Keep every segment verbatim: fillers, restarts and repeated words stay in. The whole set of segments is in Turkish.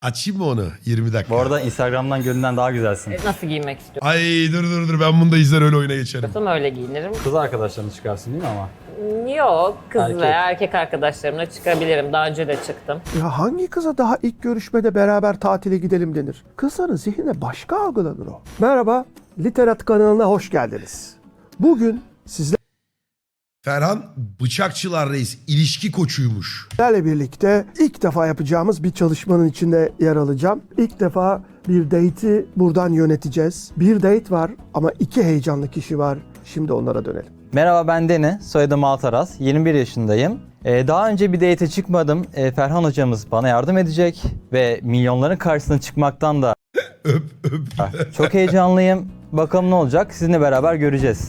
Açayım mı onu? yirmi dakika. Bu arada Instagram'dan görünen daha güzelsin. Nasıl giymek istiyorsun? Ay dur dur dur ben bunu da izler öyle oyuna geçerim. Öyle giyinirim. Kız arkadaşlarını çıkarsın değil mi ama? Yok, kız Erkek. veya erkek arkadaşlarımla çıkabilirim. Daha önce de çıktım. Ya hangi kıza daha ilk görüşmede beraber tatile gidelim denir? Kızların zihnine başka algılanır o. Merhaba, Literat kanalına hoş geldiniz. Bugün sizlerle Ferhan Bıçakçılar Reis ilişki koçuymuş. birlikte ilk defa yapacağımız bir çalışmanın içinde yer alacağım. İlk defa bir date'i buradan yöneteceğiz. Bir date var ama iki heyecanlı kişi var. Şimdi onlara dönelim. Merhaba, ben Deni, soyadım Altaraz, yirmi bir yaşındayım. Ee, daha önce bir date'e çıkmadım. Ee, Ferhan hocamız bana yardım edecek ve milyonların karşısına çıkmaktan da Öp öp. çok heyecanlıyım. Bakalım ne olacak, sizinle beraber göreceğiz.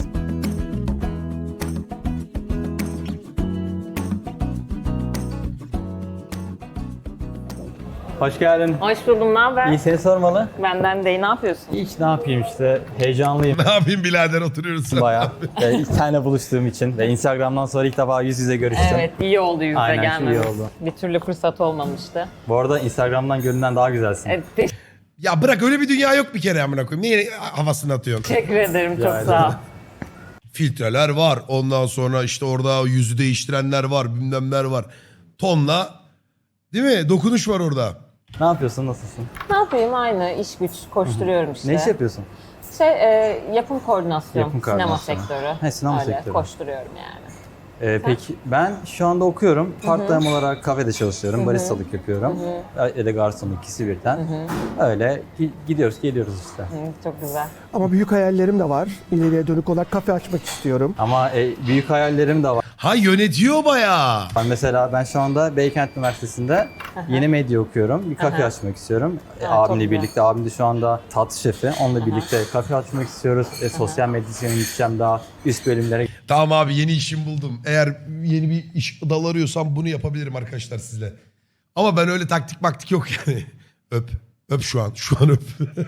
Hoş geldin. Hoş buldum, ne haber? İyi, seni sormalı. Benden de iyi, ne yapıyorsun? Hiç ne yapayım işte, heyecanlıyım Ne yapayım birader oturuyoruz. bayağı. Ee, seninle buluştuğum için ve Instagram'dan sonra ilk defa yüz yüze görüştüm. Evet, iyi oldu yüzde Aynen, gelmemiz. iyi oldu. Bir türlü fırsat olmamıştı. Bu arada Instagram'dan görünen daha güzelsin. Evet, Ya bırak öyle bir dünya yok bir kere amına koyayım. Niye havasını atıyorsun? teşekkür ederim, çok Rica sağ ol. ederim. Filtreler var. Ondan sonra işte orada yüzü değiştirenler var. Bilmemler var. Tonla. Değil mi? Dokunuş var orada. Ne yapıyorsun, nasılsın? Ne yapayım, aynı iş güç koşturuyorum işte. Ne iş yapıyorsun? Şey, e, yapım koordinasyon, Yapım sinema koordinasyonu. sektörü. He, sinema Öyle, sektörü. koşturuyorum yani. Ee, peki ben şu anda okuyorum. Part-time olarak kafede çalışıyorum. Baristalık yapıyorum. Ya da garsonluk, ikisi birden. Öyle gi- gidiyoruz, geliyoruz işte. Hı, çok güzel. Ama büyük hayallerim de var. İleriye dönük olarak kafe açmak istiyorum. Ama e, büyük hayallerim de var. Ha yönetiyor bayağı. Ben mesela ben şu anda Beykent Üniversitesi'nde yeni medya okuyorum. Bir kafe açmak istiyorum. E, Ha, çok abimle güzel. birlikte, abim de şu anda tatlı şefi. Onunla birlikte kafe açmak istiyoruz. E, sosyal medyasını gideceğim, daha üst bölümlere Tamam abi yeni işim buldum. Eğer yeni bir iş dal arıyorsam bunu yapabilirim arkadaşlar sizle. Ama ben öyle taktik maktik yok yani. Öp. Öp şu an. Şu an öp.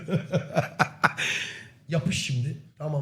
Yapış şimdi. Tamam.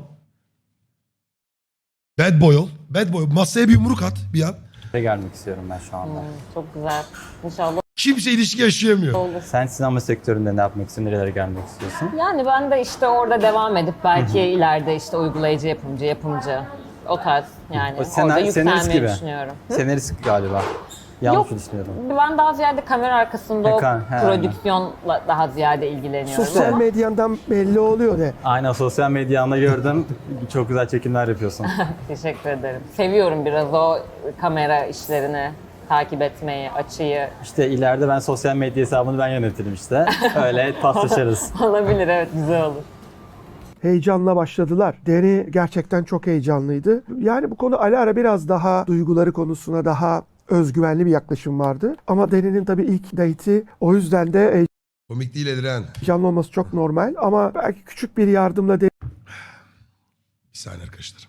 Bad boy ol. Bad boy. Masaya bir yumruk at bir an. gelmek istiyorum ben şu anda. Hı, çok güzel. İnşallah Kimse ilişki yaşayamıyor. olur. Sen sinema sektöründe ne yapmak istiyorsun, nerelere gelmek istiyorsun? Yani ben de işte orada devam edip belki ileride işte uygulayıcı, yapımcı, yapımcı o tarz yani O orada senar- senarist yükselmeyi gibi. düşünüyorum. Senarist galiba. Yanlış Yok. düşünüyorum. Ben daha ziyade kamera arkasında o Ekran, he, prodüksiyonla daha ziyade ilgileniyorum. Sosyal ama medyandan belli oluyor ne? Aynen, sosyal medyanda gördüm. Çok güzel çekimler yapıyorsun. Teşekkür ederim. Seviyorum biraz o kamera işlerini takip etmeyi, açıyı. İşte ileride ben sosyal medya hesabını ben yönetirim işte. Öyle paslaşırız. Olabilir, evet, güzel olur. Heyecanla başladılar. Deni gerçekten çok heyecanlıydı. Yani bu konu ara ara biraz daha duyguları konusuna daha özgüvenli bir yaklaşım vardı. Ama Deni'nin tabii ilk date'i, o yüzden de Komik değil Ediren. heyecanlı olması çok normal. Ama belki küçük bir yardımla Bir saniye arkadaşlar.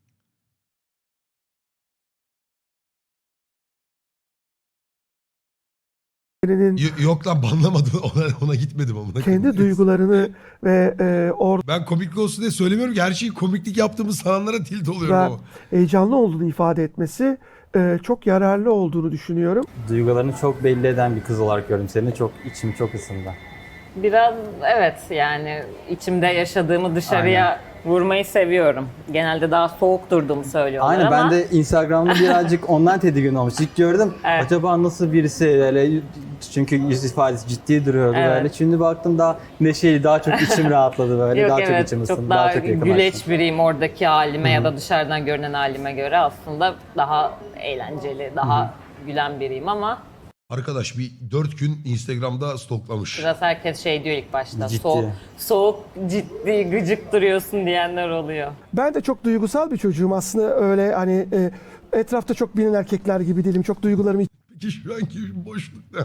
Deni'nin Y- yok lan banlamadım. Ona, ona gitmedim ama. kendi duygularını ve e, orada Ben komiklik olsun diye söylemiyorum ki her şeyi komiklik yaptığımız sananlara tilt oluyorum ama. heyecanlı olduğunu ifade etmesi e, çok yararlı olduğunu düşünüyorum. Duygularını çok belli eden bir kız olarak gördüm seni. Çok içim çok ısındı. Biraz evet, yani içimde yaşadığımı dışarıya vurmayı seviyorum. Genelde daha soğuk durduğumu söylüyorlar Aynen, ama ben de Instagram'da birazcık ondan tedirgin olmuş. İlk gördüm. Evet. Acaba nasıl birisi öyle, çünkü yüz ifadesi ciddi duruyordu Evet. böyle. Şimdi baktım daha neşeli, daha çok içim rahatladı böyle. yok daha evet, çok içim ısındı. çok Daha, daha çok yakınlaştım. güleç biriyim oradaki halime ya da dışarıdan görünen halime göre aslında daha eğlenceli, daha gülen biriyim ama Arkadaş bir dört gün Instagram'da stoklamış. biraz herkes şey diyor ilk başta, Ciddi. soğuk, soğuk, ciddi, gıcık duruyorsun diyenler oluyor. Ben de çok duygusal bir çocuğum aslında, öyle hani e, etrafta çok bilinen erkekler gibi değilim. Çok duygularımı Peki şu anki boşluk ne?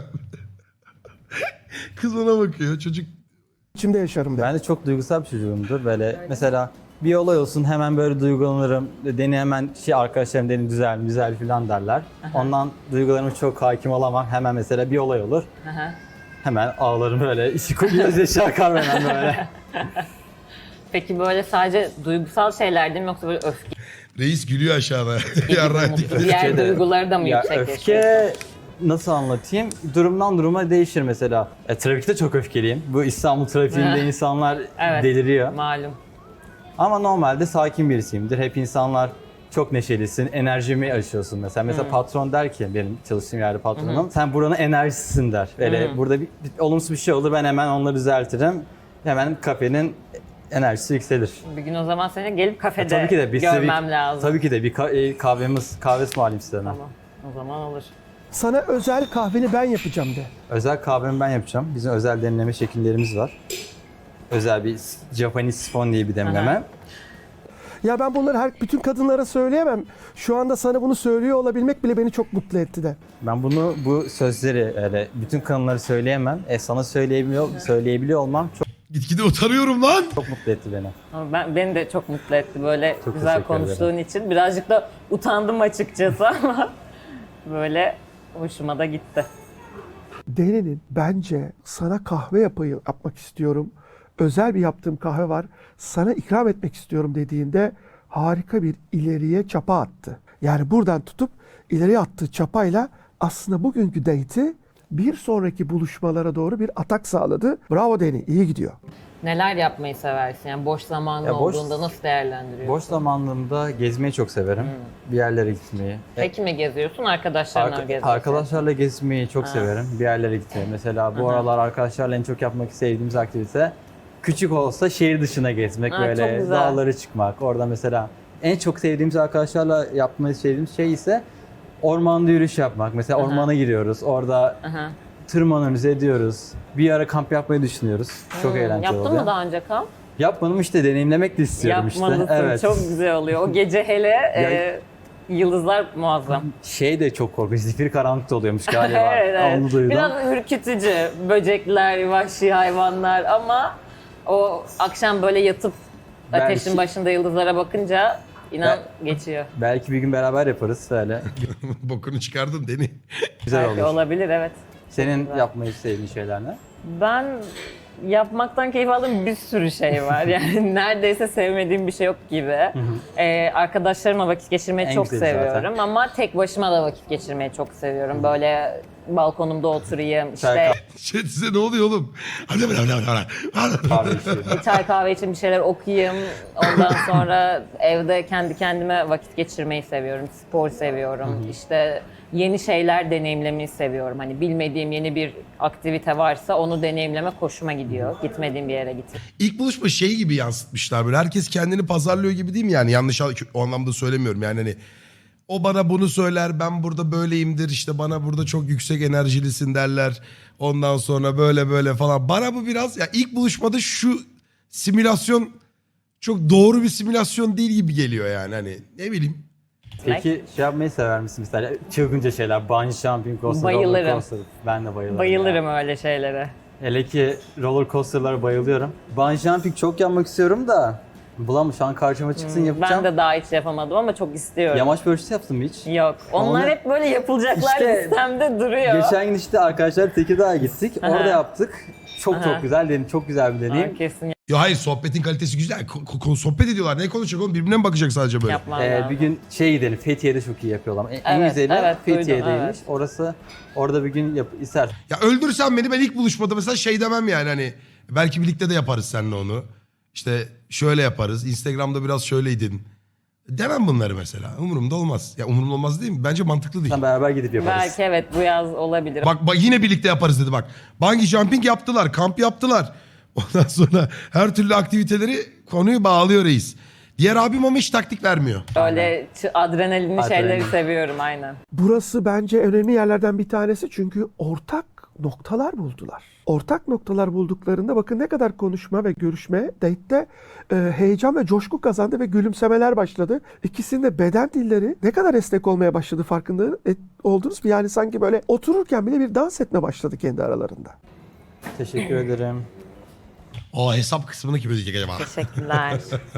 Kız ona bakıyor. Çocuk içimde yaşarım der. Ben de çok duygusal bir çocuğumdur. Böyle mesela bir olay olsun hemen böyle duygulanırım. Deni hemen şey, arkadaşlarım Deni güzel güzel falan derler. Ondan duygularıma çok hakim olamam. Hemen mesela bir olay olur. Aha. Hemen ağlarım böyle. Gözyaşı akar hemen böyle. Peki böyle sadece duygusal şeyler değil mi, yoksa böyle öfke reis gülüyor aşağıda. gibi, Yarrak mutlu, diyor. diğer Öfke de- duyguları da mı Ya yüksek yaşıyorsun? öfke nasıl anlatayım? Durumdan duruma değişir mesela. E, trafikte çok öfkeliyim. Bu İstanbul trafiğinde insanlar Evet. deliriyor. Malum. Ama normalde sakin birisiyimdir. Hep insanlar çok neşelisin, enerjimi aşıyorsun mesela. Mesela patron der ki, benim çalıştığım yerde patronum, sen buranın enerjisisin der. Böyle burada bir, bir olumsuz bir şey olur, ben hemen onları düzeltirim. Hemen kafenin enerjisi yükselir. Bir gün o zaman seni gelip kafede E, tabii ki de bir görmem bir- lazım. Tabii ki de bir ka- e, kahvemiz, kahve ısmarlayayım size hemen. Tamam. O zaman olur. Sana özel kahveni ben yapacağım de. Özel kahvemi ben yapacağım. Bizim özel demleme şekillerimiz var. Özel bir Japanese sifon diye bir demleme. Aha. Ya ben bunları her bütün kadınlara söyleyemem. Şu anda sana bunu söylüyor olabilmek bile beni çok mutlu etti de. Ben bunu, bu sözleri öyle bütün kanalları söyleyemem. E sana söyleyebiliyor, söyleyebiliyor olmam çok, Gitgide utanıyorum lan. çok mutlu etti beni. Ama ben, beni de çok mutlu etti böyle Çok güzel teşekkür konuştuğun için. Birazcık da utandım açıkçası ama böyle hoşuma da gitti. Deni'nin bence sana kahve yapayım, yapmak istiyorum. Özel bir yaptığım kahve var. Sana ikram etmek istiyorum dediğinde harika bir ileriye çapa attı. Yani buradan tutup ileriye attığı çapayla aslında bugünkü date'i bir sonraki buluşmalara doğru bir atak sağladı. Bravo Deni, iyi gidiyor. Neler yapmayı seversin? Yani boş zamanın Ya boş- olduğunda nasıl değerlendiriyorsun? Boş zamanlarımda gezmeyi çok severim. Bir yerlere gitmeyi. Tek mi geziyorsun? Arkadaşlarla mı Arka- geziyorsun? arkadaşlarla gezmeyi çok severim. Bir yerlere gitmeyi. Mesela bu aralar arkadaşlarla en çok yapmak sevdiğimiz aktivite küçük olsa şehir dışına gezmek, Ha, çok böyle güzel. dağlara çıkmak. Orada mesela en çok sevdiğimiz arkadaşlarla yapmayı sevdiğimiz şey ise ormanda yürüyüş yapmak. Mesela ormana giriyoruz. Orada Aha. tırmanıyoruz, ediyoruz. Bir ara kamp yapmayı düşünüyoruz. Çok Hmm, eğlenceli Yaptın oluyor. mı daha önce kamp? Yapmadım işte, deneyimlemek de istiyorum Yapmalısın. işte. Evet. Çok güzel oluyor. O gece hele e, yıldızlar muazzam. Şey de çok korkunç. Zifiri karanlıkta oluyormuş galiba. evet, evet. Onu duydum. Biraz ürkütücü. Böcekler, vahşi hayvanlar ama o akşam böyle yatıp Belki- ateşin başında yıldızlara bakınca inan geçiyor. Belki bir gün beraber yaparız öyle. Bokunu çıkardın Deni. Güzel Belki olur. olabilir, evet. Senin yapmayı sevdiğin şeyler ne? Ben yapmaktan keyif aldığım bir sürü şey var. Yani neredeyse sevmediğim bir şey yok gibi. Ee, arkadaşlarımla vakit geçirmeyi En çok güzeli zaten. seviyorum ama tek başıma da vakit geçirmeyi çok seviyorum. Böyle balkonumda oturayım, işte Çay, Şey size ne oluyor oğlum? kahve içiyorum. çay kahve için bir şeyler okuyayım. Ondan sonra evde kendi kendime vakit geçirmeyi seviyorum. Spor seviyorum. İşte yeni şeyler deneyimlemeyi seviyorum. Hani bilmediğim yeni bir aktivite varsa onu deneyimlemek hoşuma gidiyor. Gitmediğim bir yere gitmek. İlk buluşma şey gibi yansıtmışlar böyle. Herkes kendini pazarlıyor gibi değil mi yani? Yanlış o anlamda söylemiyorum yani hani. O bana bunu söyler, ben burada böyleyimdir, işte bana burada çok yüksek enerjilisin derler. Ondan sonra böyle böyle falan. Bana bu biraz ya ilk buluşmada şu simülasyon çok doğru bir simülasyon değil gibi geliyor yani hani ne bileyim. Peki şey yapmayı sever misin mesela? Çılgınca şeyler, bungee jumping coaster, Bayılırım. roller coaster. Ben de bayılırım. Bayılırım ya. öyle şeylere. Hele ki roller coaster'lara bayılıyorum. Bungee jumping çok yapmak istiyorum da bulamam, şu an karşıma çıksın yapacağım. Ben de daha hiç yapamadım ama çok istiyorum. Yamaç paraşütü yaptın mı hiç? Yok. Onlar Onu- hep böyle yapılacaklar İşte listemde duruyor. Geçen gün işte arkadaşlar Tekirdağ'a gittik. Aha. Orada yaptık. Çok Aha. çok güzel deneyim, çok güzel bir deneyim. Aa, kesin Ya hayır sohbetin kalitesi güzel. Ko- ko- sohbet ediyorlar. Ne konuşacak oğlum? Birbirine mi bakacak sadece böyle? yapmam Ee, lazım. bir gün şey gidelim, Fethiye'de çok iyi yapıyorlar. En, en Evet, güzeli evet, duydum, Fethiye'deymiş. evet. Orası, orada bir gün yap, ister. Ya öldürsen beni ben ilk buluşmada mesela şey demem yani hani belki birlikte de yaparız seninle onu. İşte şöyle yaparız. Instagram'da biraz şöyleydin. Demem bunları mesela. Umurumda olmaz. Ya umurumda olmaz değil mi? Bence mantıklı değil. Sen beraber gidip yaparız. Belki evet bu yaz olabilir. Bak, bak yine birlikte yaparız dedi bak. Bungee jumping yaptılar, kamp yaptılar. Ondan sonra her türlü aktiviteleri konuyu bağlıyor reis. Diğer abim ama hiç taktik vermiyor. Öyle ç- adrenalinli Adrenalin. şeyleri seviyorum aynen. Burası bence önemli yerlerden bir tanesi çünkü ortak noktalar buldular. Ortak noktalar bulduklarında bakın ne kadar konuşma ve görüşme date'te e, heyecan ve coşku kazandı ve gülümsemeler başladı. İkisinin de beden dilleri ne kadar esnek olmaya başladı farkında et, oldunuz mu? Yani sanki böyle otururken bile bir dans etme başladı kendi aralarında. Teşekkür ederim. O hesap kısmını kim ödeyecek acaba? Teşekkürler.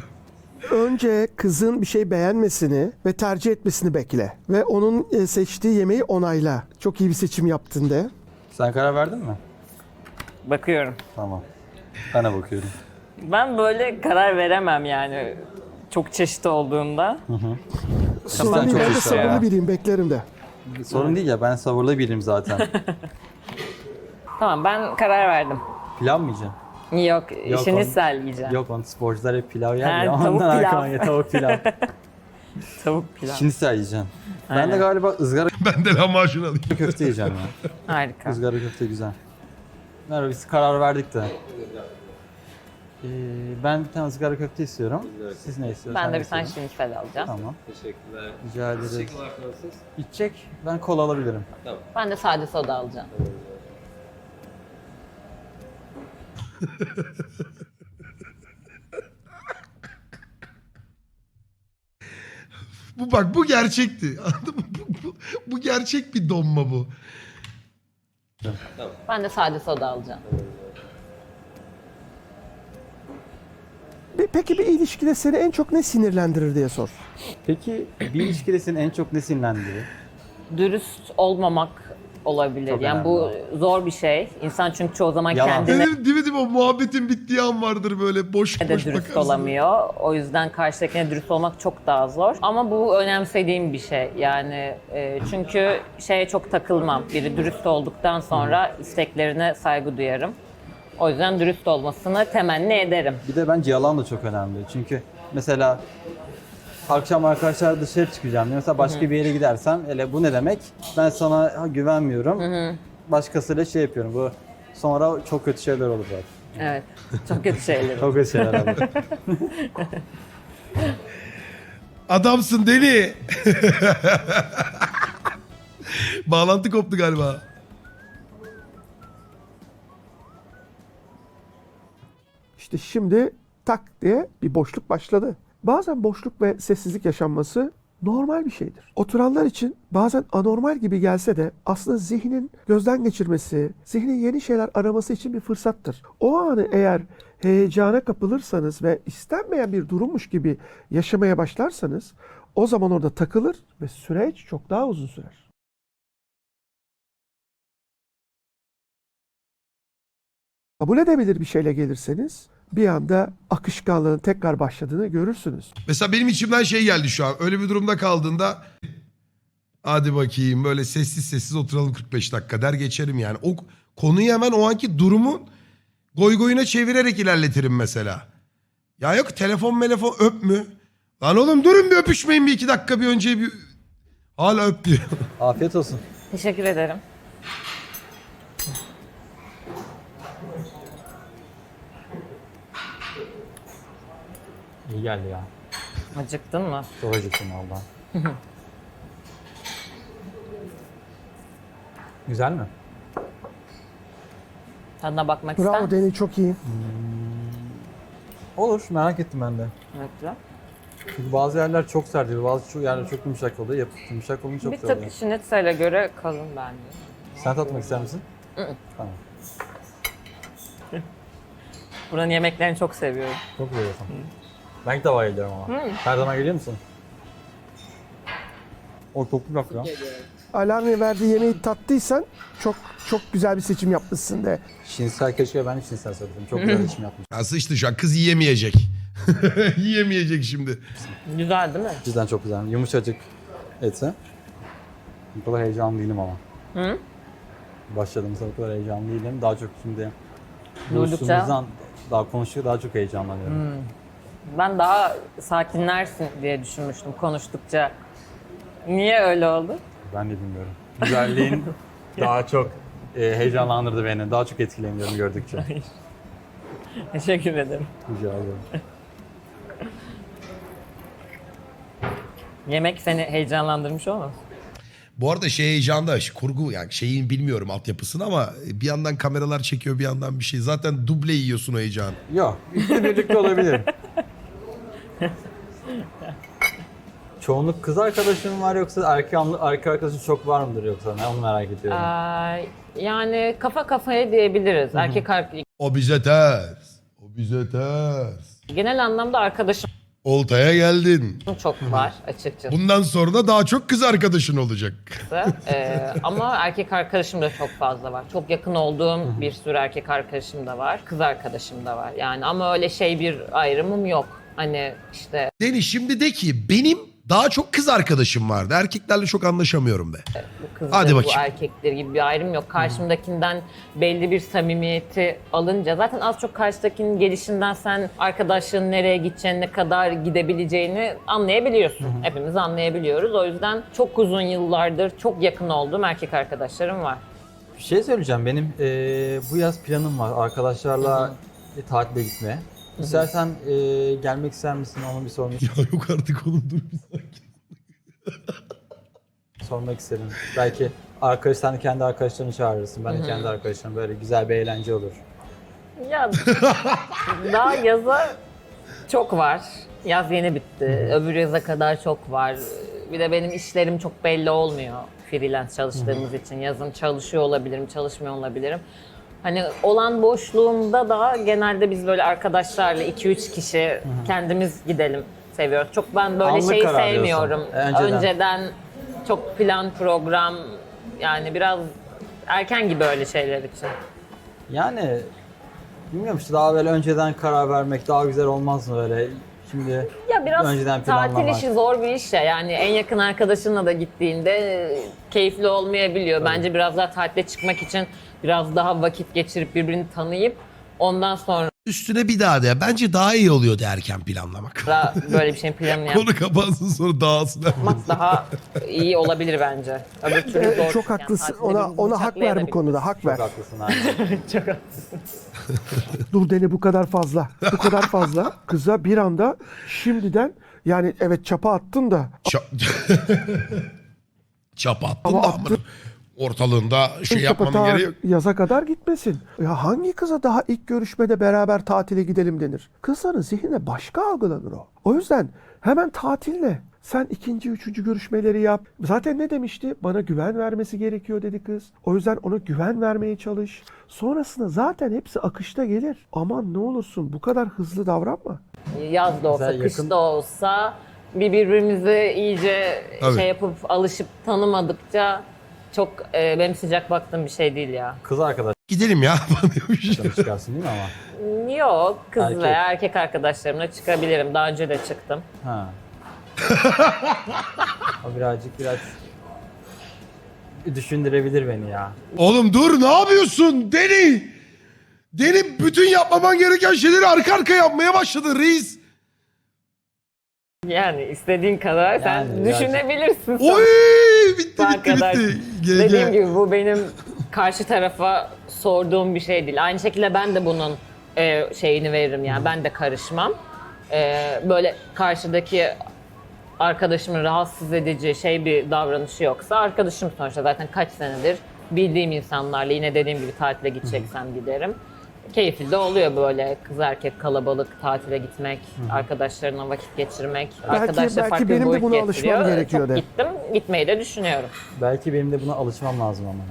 Önce kızın bir şey beğenmesini ve tercih etmesini bekle. Ve onun e, seçtiği yemeği onayla. Çok iyi bir seçim yaptın de. Sen karar verdin mi? Bakıyorum. Tamam. Ben de bakıyorum. Ben böyle karar veremem yani çok çeşit olduğunda. Sorun değil, çok ben de iyisin sabırlı ya. biriyim, beklerim de. Sorun değil ya, ben sabırlı biriyim zaten. Tamam, ben karar verdim. Pilav mı yiyeceksin? Yok, Yok, işini onu- sen yiyeceksin. Yok, onu sporcular hep pilav yer Ha, ya. tavuk Ondan pilav. aklıma geldi, tavuk pilav. Tavuk pilav. Şimdi sen yiyeceksin. Ben de Aynen. galiba ızgara Ben de lahmacun alayım. köfte yiyeceğim ya. Harika. Izgara köfte güzel. Merhaba, biz karar verdik de. Ee, ben bir tane ızgara köfte istiyorum. Siz ne istiyorsunuz? Ben de Sen bir tane ne istiyorsun? şinitsel alacağım. Tamam. Teşekkürler. Rica ederiz. Teşekkürler Fransız. İçecek, ben kola alabilirim. Ben de sade soda alacağım. Bu bak bu gerçekti. Anladın mı? Bu, bu, bu gerçek bir donma bu. Ben de sade soda alacağım. Pe- Peki bir ilişkide seni en çok ne sinirlendirir diye sor. Peki bir ilişkide seni en çok ne sinirlendiriyor? Dürüst olmamak olabilir. Çok yani önemli bu o. zor bir şey. İnsan çünkü çoğu zaman Yalan. kendine Dedim, değil mi, değil mi? O muhabbetin bittiği an vardır böyle boş de boş dürüst bakarsın. olamıyor. O yüzden karşıdakine dürüst olmak çok daha zor. Ama bu önemsediğim bir şey. Yani e, çünkü şeye çok takılmam. Biri dürüst olduktan sonra isteklerine saygı duyarım. O yüzden dürüst olmasını temenni ederim. Bir de bence yalan da çok önemli. Çünkü mesela akşam arkadaşlar dışarı çıkacağım diye. Mesela başka bir yere gidersem, hele bu ne demek? Ben sana ha, güvenmiyorum. Başkasıyla şey yapıyorum. Bu sonra çok kötü şeyler olur zaten. Evet. Çok kötü şeyler. Çok kötü şeyler olur. Adamsın deli. Bağlantı koptu galiba. İşte şimdi tak diye bir boşluk başladı. Bazen boşluk ve sessizlik yaşanması normal bir şeydir. Oturanlar için bazen anormal gibi gelse de aslında zihnin gözden geçirmesi, zihnin yeni şeyler araması için bir fırsattır. O anı eğer heyecana kapılırsanız ve istenmeyen bir durummuş gibi yaşamaya başlarsanız o zaman orada takılır ve süreç çok daha uzun sürer. Kabul edebilir bir şeyle gelirseniz bir anda akışkanlığın tekrar başladığını görürsünüz. Mesela benim içimden şey geldi şu an. Öyle bir durumda kaldığında hadi bakayım böyle sessiz sessiz oturalım kırk beş dakika der geçerim yani. O konuyu hemen o anki durumun goy goyuna çevirerek ilerletirim mesela. Ya yok telefon telefon öp mü? Lan oğlum durun bir öpüşmeyin bir iki dakika bir önce bir... Hala öp diyor. Afiyet olsun. Teşekkür ederim. İyi geldi ya. Acıktın mı? Çok acıktım valla. Güzel mi? Tadına bakmak ister Bravo misin? Deni, çok iyi. Olur, merak ettim ben de. Evet, güzel. Çünkü bazı yerler çok sert oluyor, bazı çok yerler çok yumuşak oluyor. Yapıp yumuşak olunca çok Bir güzel oluyor. tık şinitsel'e göre kalın bence. Sen tatmak ister misin? Tamam. Buranın yemeklerini çok seviyorum. Çok seviyorsun. Ben ilk defa geliyorum ama. Her zaman geliyor musun? O çok güzel ya. Alarm'ın verdiği yemeği tattıysan çok çok güzel bir seçim yapmışsın de. Şinsel keşke ben de şinsel söyledim. Çok güzel işim yapmış. Ya sıçtı şu an kız yiyemeyecek. Yiyemeyecek şimdi. Güzel değil mi? Cidden çok güzel. Yumuşacık etse. Bu kadar heyecanlı değilim ama. Hı? Başladığımızda bu kadar heyecanlı değilim. Daha çok şimdi Duydukça- buluştuğumuzdan daha konuşuyor, daha çok heyecanlanıyorum. Ben daha sakinlersin diye düşünmüştüm konuştukça. Niye öyle oldu? Ben de bilmiyorum. Güzelliğin daha çok e, heyecanlandırdı beni. Daha çok etkileniyorum gördükçe. Teşekkür ederim. Rica ederim. Yemek seni heyecanlandırmış olmaz? Bu arada şey heyecanda kurgu yani şeyin bilmiyorum altyapısını ama bir yandan kameralar çekiyor bir yandan bir şey. Zaten duble yiyorsun o heyecanı. Yok, ikisi birlikte olabilir. Çoğunluk kız arkadaşın var yoksa erkek, erkek arkadaşın çok var mıdır yoksa? Ne onu merak ediyorum. Ee, yani kafa kafaya diyebiliriz. Erkek ar- O bize ters. O bize ters. genel anlamda arkadaşım Oltaya geldin. çok var açıkçası. Bundan sonra da daha çok kız arkadaşın olacak. Ee, ama erkek arkadaşım da çok fazla var. Çok yakın olduğum bir sürü erkek arkadaşım da var. Kız arkadaşım da var. Yani ama öyle şey bir ayrımım yok. Hani işte Deni şimdi de ki benim Daha çok kız arkadaşım vardı. Erkeklerle çok anlaşamıyorum be. Bu kızdır, Hadi bu bakayım. erkektir gibi bir ayrım yok. Karşımdakinden belli bir samimiyeti alınca zaten az çok karşıdakinin gelişinden sen arkadaşlığın nereye gideceğini, ne kadar gidebileceğini anlayabiliyorsun. Hepimiz anlayabiliyoruz. O yüzden çok uzun yıllardır çok yakın olduğum erkek arkadaşlarım var. Bir şey söyleyeceğim. Benim eee, bu yaz planım var. Arkadaşlarla e, tatile gitmeye. İstersen eee, gelmek ister misin? Onu bir sormak, Ya yok artık oğlum dur bir sakin. sormak isterim. Belki arkadaş, sen de kendi arkadaşlarını çağırırsın. Ben de kendi arkadaşlarım. Böyle güzel bir eğlence olur. Ya daha yaza çok var. Yaz yeni bitti. Öbür yaza kadar çok var. Bir de benim işlerim çok belli olmuyor. Freelance çalıştığımız için. Yazın çalışıyor olabilirim, çalışmıyor olabilirim. Hani olan boşluğumda da genelde biz böyle arkadaşlarla iki üç kişi kendimiz gidelim seviyoruz. Çok ben böyle Anlık şeyi karar sevmiyorum. diyorsun. Önceden. Önceden çok plan program, yani biraz erken gibi öyle şeyler için. Yani bilmiyorum işte, daha böyle önceden karar vermek daha güzel olmaz mı böyle? Şimdi Ya biraz önceden tatil planlamak. işi zor bir iş ya. Yani en yakın arkadaşınla da gittiğinde e, keyifli olmayabiliyor. Bence biraz daha tatile çıkmak için biraz daha vakit geçirip birbirini tanıyıp ondan sonra Üstüne bir daha de. Bence daha iyi oluyordu erken planlamak. böyle bir şeyin planını Konu kapansın sonra dağılsın. yapmak daha iyi olabilir bence. Öbür türlü zor. Çok Yani haklısın. tatilde Ona birbirimizi ona hak ver bu bıçaklayabiliriz. konuda. Hak ver. Çok haklısın abi. Çok haklısın. Dur Deni, bu kadar fazla. Bu kadar fazla. Kıza bir anda şimdiden, yani evet çapa attın da Ça Çapa attın Ama da attın. amına. Ortalığında şey çapa yapmanın ta gereği yok. yaza kadar gitmesin. Ya hangi kıza daha ilk görüşmede beraber tatile gidelim denir? Kızların zihnine başka algılanır o. O yüzden hemen tatille. Sen ikinci, üçüncü görüşmeleri yap. Zaten ne demişti? Bana güven vermesi gerekiyor dedi kız. O yüzden ona güven vermeye çalış. Sonrasında zaten hepsi akışta gelir. Aman ne olursun bu kadar hızlı davranma. Yaz da olsa, Güzel, kış yakın- da olsa bir birbirimizi iyice Tabii. şey yapıp alışıp tanımadıkça çok e, benim sıcak baktığım bir şey değil ya. Kız arkadaşlarını Gidelim ya. diyormuş. çıkarsın değil mi ama? Yok, kız Erkek. veya erkek arkadaşlarımla çıkabilirim. Daha önce de çıktım. Ha. O birazcık biraz düşündürebilir beni ya. Oğlum dur ne yapıyorsun Deni? Deni bütün yapmaman gereken şeyleri arka arka yapmaya başladın reis. Yani istediğin kadar sen Yani düşünebilirsin. Oy bitti Sabaha bitti kadar. bitti. Dediğim Gece. gibi bu benim karşı tarafa sorduğum bir şey değil. Aynı şekilde ben de bunun e, şeyini veririm yani. Ben de karışmam. E, böyle karşıdaki arkadaşımın rahatsız edici şey bir davranışı yoksa, arkadaşım sonuçta zaten kaç senedir bildiğim insanlarla, yine dediğim gibi tatile gideceksem giderim. Keyifli de oluyor böyle kız erkek kalabalık tatile gitmek, arkadaşlarına vakit geçirmek. Arkadaşlar belki farklı bir benim de boyut buna alışmam getiriyor. gerekiyor Çok de. gittim, gitmeyi de düşünüyorum. Belki benim de buna alışmam lazım ama.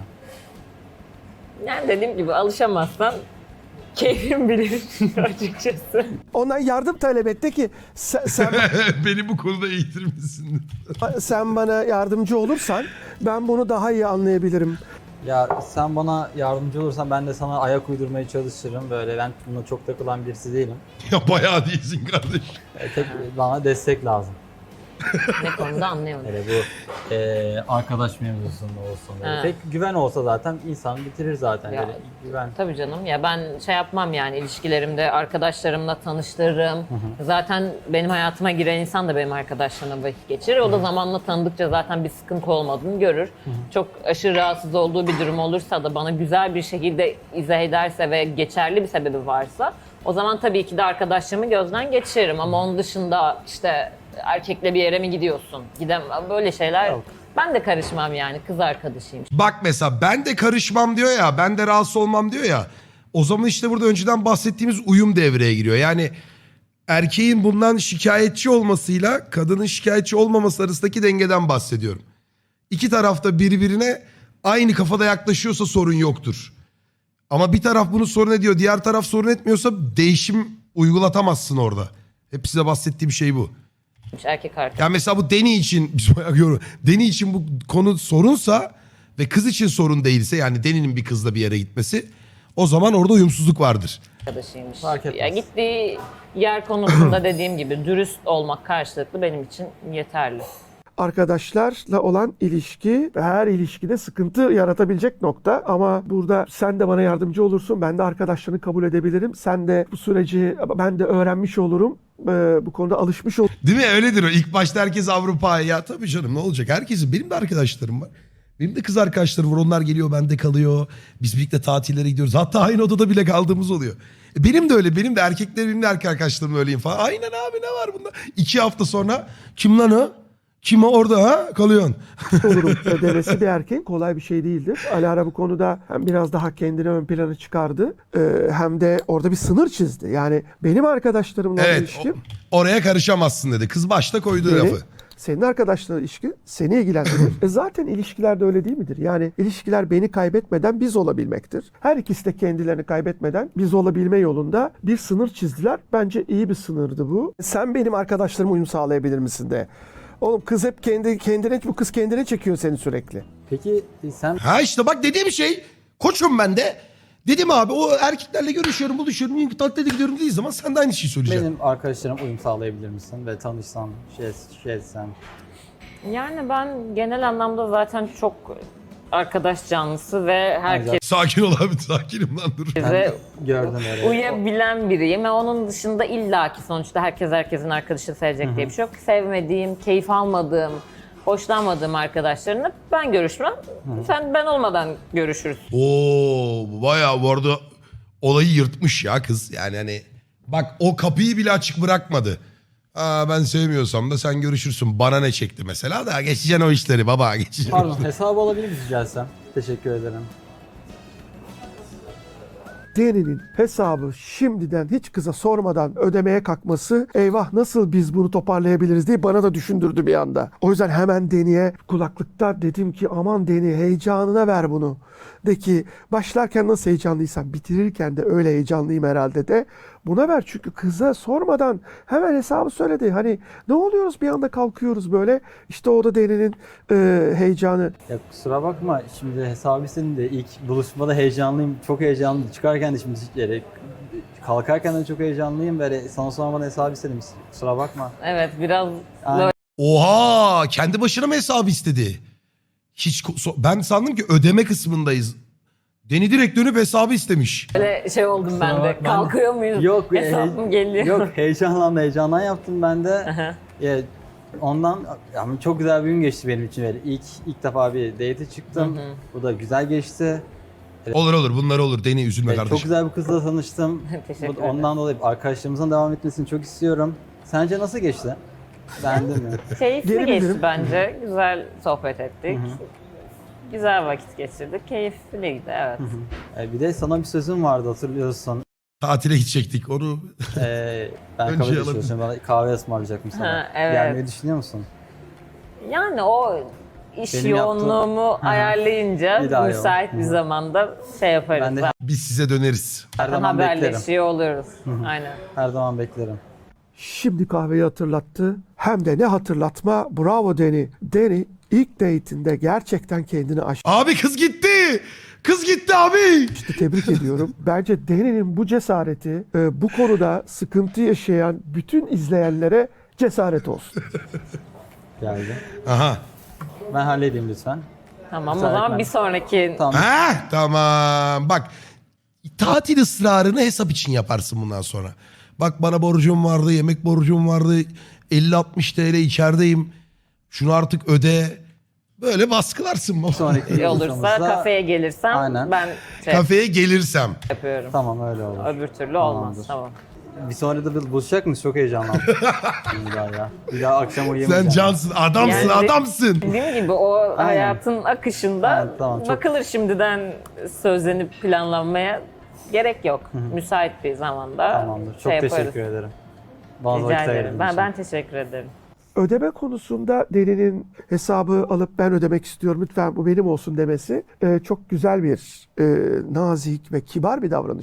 Yani dediğim gibi alışamazsan keyfim bilir açıkçası. Ondan yardım talep etti ki sen, sen, Beni bu konuda eğitir misin? sen bana yardımcı olursan ben bunu daha iyi anlayabilirim. Ya sen bana yardımcı olursan ben de sana ayak uydurmaya çalışırım. Böyle ben buna çok takılan birisi değilim. Ya bayağı değilsin kardeş. E, tek bana destek lazım. Ne konuda anlayamadım. Böyle bu e, arkadaş mevzusunda olsun. Böyle. Ha. Tek güven olsa zaten insan bitirir zaten. Ya, Böyle güven. Tabii canım ya, ben şey yapmam yani, ilişkilerimde arkadaşlarımla tanıştırırım. Zaten benim hayatıma giren insan da benim arkadaşlarımla vakit geçirir. O da zamanla tanıdıkça zaten bir sıkıntı olmadığını görür. Çok aşırı rahatsız olduğu bir durum olursa da bana güzel bir şekilde izah ederse ve geçerli bir sebebi varsa, o zaman tabii ki de arkadaşlarımı gözden geçiririm. Ama onun dışında işte erkekle bir yere mi gidiyorsun? Gidem böyle şeyler. Yok. Ben de karışmam yani, kız arkadaşıyım. Bak mesela ben de karışmam diyor ya, ben de rahatsız olmam diyor ya. O zaman işte burada önceden bahsettiğimiz uyum devreye giriyor. Yani erkeğin bundan şikayetçi olmasıyla kadının şikayetçi olmaması arasındaki dengeden bahsediyorum. İki tarafta birbirine aynı kafada yaklaşıyorsa sorun yoktur. Ama bir taraf bunu sorun ediyor, diğer taraf sorun etmiyorsa değişim uygulatamazsın orada. Hep size bahsettiğim şey bu. Erkek arkadaş. Ya mesela bu Deni için, biz bayağı görüyoruz. Deni için bu konu sorunsa ve kız için sorun değilse, yani Deni'nin bir kızla bir yere gitmesi, O zaman orada uyumsuzluk vardır. arkadaşıymış. Fark etmez. Ya gittiği yer konusunda dediğim gibi dürüst olmak karşılıklı benim için yeterli. Arkadaşlarla olan ilişki her ilişkide sıkıntı yaratabilecek nokta ama burada sen de bana yardımcı olursun. Ben de arkadaşlarını kabul edebilirim. Sen de bu süreci ben de öğrenmiş olurum. Ee, bu konuda alışmış olurum. Değil mi? Öyledir o. İlk başta herkes Avrupa'ya. Ya tabii canım ne olacak? Herkesin. Benim de arkadaşlarım var. Benim de kız arkadaşlarım var. Onlar geliyor, bende kalıyor. Biz birlikte tatillere gidiyoruz. Hatta aynı odada bile kaldığımız oluyor. E benim de öyle. Benim de erkekler, benim de erkek arkadaşlarım öyleyim falan. Aynen abi, ne var bunda? İki hafta sonra kim lan o? Kim o orada ha? Kalıyorsun. olurum. Devesi bir erkek kolay bir şey değildir. Alara bu konuda hem biraz daha kendini ön plana çıkardı e, hem de orada bir sınır çizdi. Yani benim arkadaşlarımla olan Evet. ilişkim o- oraya karışamazsın dedi. Kız başta koydu beni, lafı. senin arkadaşlarla ilişki seni ilgilendirir. e zaten ilişkilerde öyle değil midir? Yani ilişkiler beni kaybetmeden biz olabilmektir. Her ikisi de kendilerini kaybetmeden biz olabilme yolunda bir sınır çizdiler. Bence iyi bir sınırdı bu. Sen benim arkadaşlarıma uyum sağlayabilir misin de. Oğlum kız hep kendi kendine bu kız kendine çekiyor seni sürekli. Peki sen Ha işte bak dediğim şey. Koçum ben de. Dedim abi o erkeklerle görüşüyorum, buluşuyorum, tatlide gidiyorum dediği zaman sen de aynı şeyi söyleyeceksin. benim arkadaşlarıma uyum sağlayabilir misin ve tanışsan, şey, şey etsen? Yani ben genel anlamda zaten çok arkadaş canlısı ve herkese Sakin ol abi, sakinim lan dur. Gördüm öyle. uyabilen biriyim. Ve onun dışında illaki sonuçta herkes herkesin arkadaşını sevecek diye bir şey yok. Sevmediğim, keyif almadığım, hoşlanmadığım arkadaşlarımla ben görüşmem. Sen ben olmadan görüşürüz. Oo bayağı bu arada olayı yırtmış ya kız. Yani hani bak o kapıyı bile açık bırakmadı. Aa, ben sevmiyorsam da sen görüşürsün. Bana ne çekti mesela da geçeceksin o işleri baba, geçeceksin. Pardon, hesabı alabilir miyiz rica etsem? Teşekkür ederim. Deni'nin hesabı şimdiden hiç kıza sormadan ödemeye kalkması eyvah nasıl biz bunu toparlayabiliriz diye bana da düşündürdü bir anda. O yüzden hemen Deni'ye kulaklıkta dedim ki aman Deni heyecanına ver bunu. De ki başlarken nasıl heyecanlıysam bitirirken de öyle heyecanlıyım herhalde de buna ver. Çünkü kıza sormadan hemen hesabı söyledi. Hani ne oluyoruz bir anda kalkıyoruz böyle. İşte o da Deni'nin e, heyecanı. Ya kusura bakma, şimdi hesabı senin de ilk buluşmada heyecanlıyım, çok heyecanlıyım. Çıkarken de şimdi yere, kalkarken de çok heyecanlıyım. Böyle sana sormadan hesabı istedim. Kusura bakma. Evet biraz Aynen. Oha, kendi başına mı hesabı istedi? Hiç ko- so- ben sandım ki ödeme kısmındayız. Deni direkt dönüp hesabı istemiş. böyle şey oldum ben de. bakma. Kalkıyor muyuz? Yok, Hesabım he- geliyor. Yok, heyecanlandım, heyecandan yaptım ben de. Aha. Ya, ondan yani çok güzel bir gün geçti benim için. Böyle ilk ilk defa bir date çıktım. Bu da güzel geçti. Olur olur, bunlar olur. Deni üzülme Ee, kardeşim. Çok güzel bir kızla tanıştım. Teşekkür Bu- ederim. Ondan dolayı arkadaşlarımızın devam etmesini çok istiyorum. Sence nasıl geçti? Beğendin mi? Keyifli Geri geçti bildirim. bence. Güzel sohbet ettik. Güzel vakit geçirdik. Keyifliydi evet. Ee, bir de sana bir sözüm vardı, hatırlıyorsun. Tatile gidecektik onu. Ee, ben Önce kahve alalım. çalışıyorum. Bana kahve ısmarlayacaktım sana. Ha, evet. Gelmeyi düşünüyor musun? Yani o iş Benim yaptığım- yoğunluğumu Hı hı. ayarlayınca Bir daha müsait yok. bir Hı. zamanda şey yaparız. Ben de Zaten Biz size döneriz. her zaman beklerim. haberleşiyor oluruz. Aynen. Her zaman beklerim. Şimdi kahveyi hatırlattı. Hem de ne hatırlatma. Bravo Deni. Deni ilk date'inde gerçekten kendini aştı. Abi kız gitti. Kız gitti abi. Tebrik ediyorum. Bence Deni'nin bu cesareti e, bu konuda sıkıntı yaşayan bütün izleyenlere cesaret olsun. Geldi. Aha. Ben halledeyim lütfen. Tamam o Müsait zaman ben. bir sonraki Tamam. Ha tamam. Bak tatil ısrarını hesap için yaparsın bundan sonra. Bak bana borcum vardı, yemek borcum vardı. elli altmış T L içerideyim. Şunu artık öde. Böyle baskılarsın baba. Sonraki şey olursa buluşmamızda- kafeye gelirsem Aynen. ben şey Kafeye gelirsem. yapıyorum. Tamam, öyle olur. Öbür türlü olmaz. Tamamdır. Tamam. Bir sonra da buluşacak mıyız? Çok heyecanlandım. bir daha ya. Bir daha akşam uyuyamayacağım. Sen cansın, adamsın, Yani- adamsın. Dediğim gibi o hayatın akışında Evet, tamam, çok- bakılır şimdiden sözlenip planlanmaya gerek yok. Müsait bir zamanda Tamamdır. Çok şey yaparız. teşekkür ederim. Bana Rica vakit ederim. ayırdığın Ben, için. ben teşekkür ederim. Ödeme konusunda Deni'nin hesabı alıp ben ödemek istiyorum lütfen bu benim olsun demesi e, çok güzel bir e, nazik ve kibar bir davranıştı.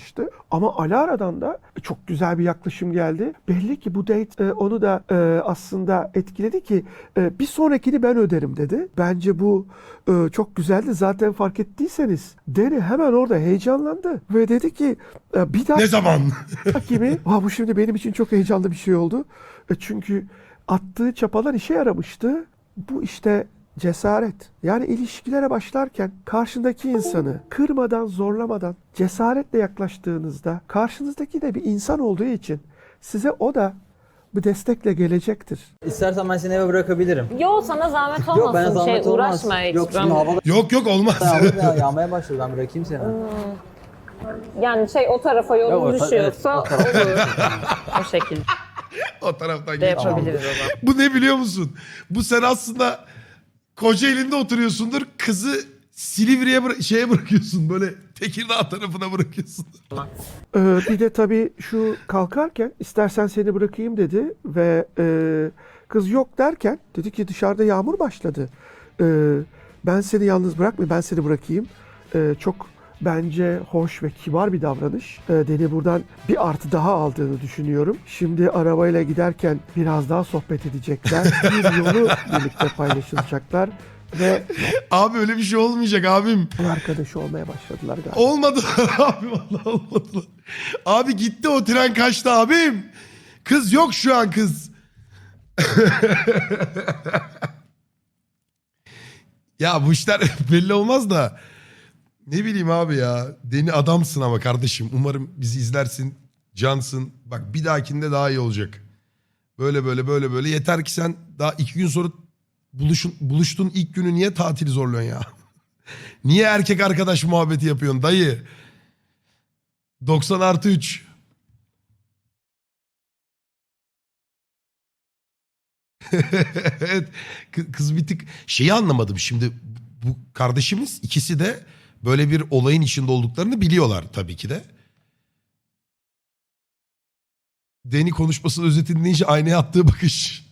Ama Alara'dan da çok güzel bir yaklaşım geldi. Belli ki bu date e, onu da e, aslında etkiledi ki e, bir sonrakini ben öderim dedi. Bence bu e, çok güzeldi. Zaten fark ettiyseniz Deni hemen orada heyecanlandı ve dedi ki e, bir daha Ne zaman? gibi. Ha, bu şimdi benim için çok heyecanlı bir şey oldu. E, çünkü attığı çapalar işe yaramıştı. Bu işte cesaret. Yani ilişkilere başlarken karşındaki insanı kırmadan, zorlamadan, cesaretle yaklaştığınızda karşınızdaki de bir insan olduğu için size o da bir destekle gelecektir. İstersen ben seni eve bırakabilirim. Yo, sana zahmet olmasın. Yok, bana zahmet şey, olmaz. uğraşma hiç. Yok şimdi Ben- havalar Yok yok olmaz. yağmur ya, yağmaya başladı, ben bırakayım seni. Yani şey, o tarafa Yok, yolun o ta- düşüyorsa evet, o tarafa- olur. O şekilde O taraftan de geç. yapabiliriz o zaman. Bu ne biliyor musun? Bu sen aslında Kocaeli'nde oturuyorsundur. Kızı Silivri'ye bıra- şeye bırakıyorsun. Böyle Tekirdağ tarafına bırakıyorsun. Ee, bir de tabii şu kalkarken istersen seni bırakayım dedi ve e, kız yok derken dedi ki dışarıda yağmur başladı. Ee, ben seni yalnız bırakmayayım, ben seni bırakayım. Ee, çok bence hoş ve kibar bir davranış. Ee, Deni buradan bir artı daha aldığını düşünüyorum. Şimdi arabayla giderken biraz daha sohbet edecekler. Bir yolu birlikte paylaşılacaklar ve Abi öyle bir şey olmayacak abim. yol arkadaşı olmaya başladılar galiba. Olmadı abi vallahi olmadı. Abi gitti o tren kaçtı abim. Kız yok şu an kız. Ya bu işler belli olmaz da. Ne bileyim abi ya. Deni adamsın ama kardeşim. Umarım bizi izlersin. Cansın. Bak bir dahakinde daha iyi olacak. Böyle böyle böyle böyle. Yeter ki sen daha iki gün sonra buluşun, buluştuğun ilk günü niye tatili zorluyorsun ya? Niye erkek arkadaş muhabbeti yapıyorsun dayı? doksan artı üç. Evet. Kı- Kız bir tık şeyi anlamadım. Şimdi bu kardeşimiz ikisi de böyle bir olayın içinde olduklarını biliyorlar tabii ki de. Deni konuşmasının özetini dinleyince aynaya attığı bakış.